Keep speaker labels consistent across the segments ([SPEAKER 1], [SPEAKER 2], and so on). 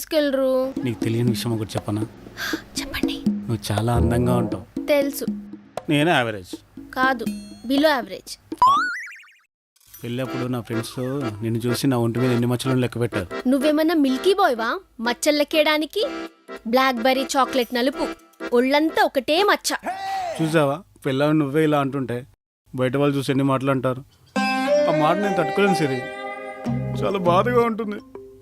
[SPEAKER 1] తీసుకెళ్ళరు?
[SPEAKER 2] నీకు తెలియని విషయం ఒకటి చెప్పనా?
[SPEAKER 1] చెప్పండి.
[SPEAKER 2] నువ్వు చాలా అందంగా ఉంటావు.
[SPEAKER 1] తెలుసు.
[SPEAKER 2] నేను యావరేజ్
[SPEAKER 1] కాదు, బిలో యావరేజ్.
[SPEAKER 2] వెళ్ళప్పుడు నా ఫ్రెండ్స్ నిన్ను చూసి నా ఒంటి మీద ఎన్ని మచ్చలు లెక్క పెట్టారు.
[SPEAKER 1] నువ్వేమన్నా మిల్కీ బాయ్వా మచ్చలు లెక్కేయడానికి? బ్లాక్ బెర్రీ చాక్లెట్ నలుపు, ఒళ్ళంతా ఒకటే మచ్చ.
[SPEAKER 2] చూసావా, పిల్లలు నువ్వే ఇలా అంటుంటే బయట వాళ్ళు చూసి ఎన్ని మాటలు అంటారు. ఆ మాట నేను తట్టుకోలేను సిరి, చాలా బాధగా ఉంటుంది.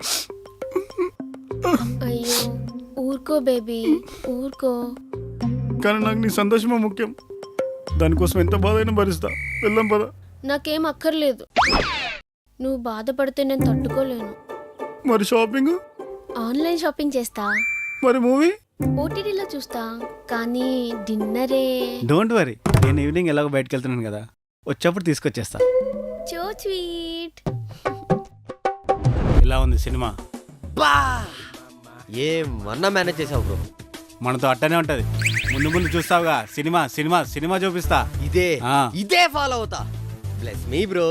[SPEAKER 1] అయ్యో ఊరుకో బేబీ, ఊరుకో.
[SPEAKER 2] కానీ నాకు నీ సంతోషమే ముఖ్యం. దానికోసం ఎంత బాధ అయినా భరిస్తా. వెళ్దాం పద.
[SPEAKER 1] నాకేం అక్కర్లేదు. నువ్వు బాధపడితే నేను తట్టుకోలేను.
[SPEAKER 2] మరి షాపింగ్?
[SPEAKER 1] ఆన్లైన్ షాపింగ్ చేస్తా.
[SPEAKER 2] మరి మూవీ?
[SPEAKER 1] ఓటీటీలో చూస్తా. కానీ డిన్నరే.
[SPEAKER 2] డోంట్ వరీ, నేను ఈవినింగ్ ఎలాగో బయటకు వెళ్తున్నాను కదా, వచ్చేప్పుడు తీసుకొచ్చేస్తా.
[SPEAKER 1] So sweet.
[SPEAKER 2] ఇలా ఉంది సినిమా?
[SPEAKER 3] బా ఏమన్నా మేనేజ్ చేసావు బ్రో.
[SPEAKER 2] మనతో అట్టనే ఉంటది. ముందు ముందు చూస్తావుగా, సినిమా సినిమా సినిమా చూపిస్తా.
[SPEAKER 3] ఇదే ఫాలో అవుతా. Bless me bro.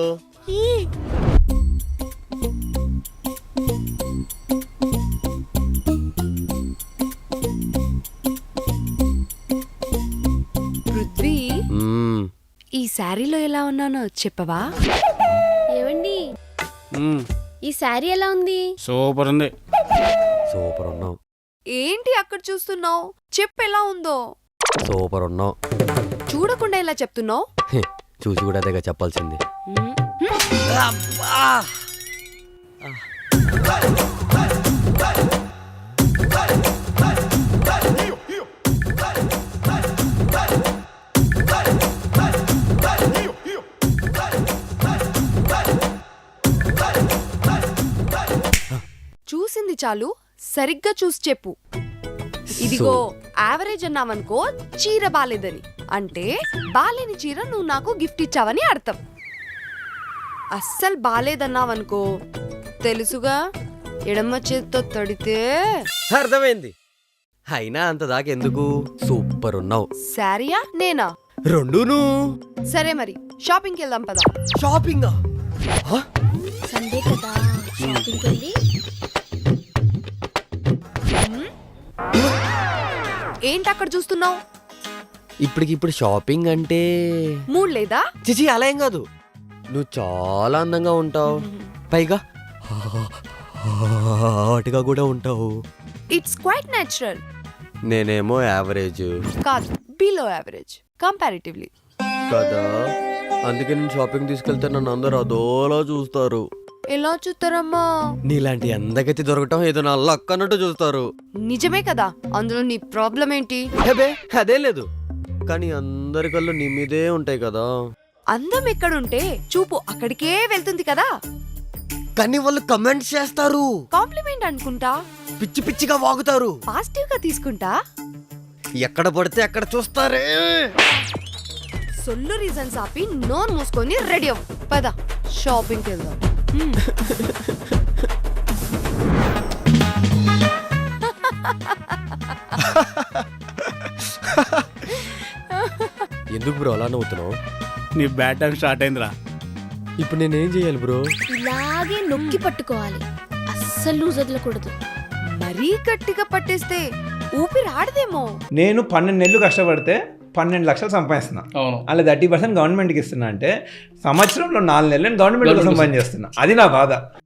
[SPEAKER 4] పృథ్వీ, ఈ శారీలో ఎలా ఉన్నానో చెప్పవా?
[SPEAKER 1] ఏవండి, ఈ శారీ ఎలా ఉంది?
[SPEAKER 2] సూపర్ ఉంది.
[SPEAKER 3] సూపర్ ఉన్నావు.
[SPEAKER 4] ఏంటి అక్కడ చూస్తున్నావు? చెప్పు ఎలా ఉందో.
[SPEAKER 3] సూపర్ ఉన్నావు.
[SPEAKER 4] చూడకుండా ఎలా చెప్తున్నావు?
[SPEAKER 3] చూసి కూడా అదేగా చెప్పాల్సింది.
[SPEAKER 4] చూసింది చాలు, సరిగ్గా చూసి చెప్పు. ఇదిగో యావరేజ్ అన్నావనుకో చీర బాలేదని, అంటే బాలేని చీర నువ్వు నాకు గిఫ్ట్ ఇచ్చావని అర్థం. అస్సలు బాలేదన్నావనుకో తెలుసుగా, ఎడమ చేత్తో తడితే.
[SPEAKER 3] అర్థమైంది. అయినా అంత దాకెందుకు, సూపర్ ఉన్నావు.
[SPEAKER 4] శారీయా నేనా?
[SPEAKER 3] రెండును.
[SPEAKER 4] సరే మరి షాపింగ్కి వెళ్దాం పదా.
[SPEAKER 3] షాపింగ్
[SPEAKER 1] సండే కదా, షాపింగ్కి వెళ్ళి.
[SPEAKER 4] ఏంటి అక్కడ చూస్తున్నావు?
[SPEAKER 3] ఇప్పటికిప్పుడు షాపింగ్ అంటే
[SPEAKER 4] మూడ్ లేదా?
[SPEAKER 3] చిచి అలా ఏం కాదు. నువ్వు చాలా అందంగా ఉంటావు, పైగా హాట్గా కూడా ఉంటావు.
[SPEAKER 4] It's quite natural.
[SPEAKER 3] నేనేమో యావరేజ్.
[SPEAKER 4] కాదు, బిలో యావరేజ్ కంపారిటివ్లీ
[SPEAKER 3] కదా. అందుకే నేను షాపింగ్ తీసుకెళ్తే నన్ను అందరూ అదోలా చూస్తారు.
[SPEAKER 4] ఎలా చూస్తారమ్మా?
[SPEAKER 3] నీలాంటి అందగతి దొరకటం ఏదో నా లక్ అన్నట్టు చూస్తారు.
[SPEAKER 4] నిజమే కదా, అందులో నీ ప్రాబ్లం ఏంటి?
[SPEAKER 3] హెబే అదే లేదు, కానీ అందరి కళ్ళు నీ మీదే ఉంటాయి కదా.
[SPEAKER 4] అందం ఎక్కడుంటే చూపు అక్కడికే వెళ్తుంది కదా.
[SPEAKER 3] కానీ వాళ్ళు కమెంట్స్ చేస్తారు,
[SPEAKER 4] కాంప్లిమెంట్ అనుకుంటా,
[SPEAKER 3] పిచ్చి పిచ్చిగా వాగుతారు,
[SPEAKER 4] పాజిటివ్ గా తీసుకుంటా.
[SPEAKER 3] ఎక్కడ పడితే అక్కడ చూస్తారే.
[SPEAKER 4] సొల్లు రీజన్స్ ఆపి నోన్ మూసుకొని రెడీ అవ్వు పద, షాపింగ్కి వెళ్దాం.
[SPEAKER 3] ఎందుకు బ్రో అలా నవ్వుతున్నావు?
[SPEAKER 2] నీ బ్యాట్ టైం స్టార్ట్ అయిందిరా.
[SPEAKER 3] ఇప్పుడు నేనేం చేయాలి బ్రో?
[SPEAKER 1] ఇలాగే నొక్కి పట్టుకోవాలి, అస్సలు లూజ్ వదలకూడదు.
[SPEAKER 4] మరీ గట్టిగా పట్టేస్తే ఊపిరి ఆడదేమో.
[SPEAKER 5] నేను 12 నెలలు కష్టపడితే 12 లక్షలు సంపాదిస్తున్నా. అలా 30% గవర్నమెంట్కి ఇస్తున్నా అంటే సంవత్సరంలో 4 నెలలు నేను గవర్నమెంట్ కోసం పని చేస్తున్నా. అది నా బాధ.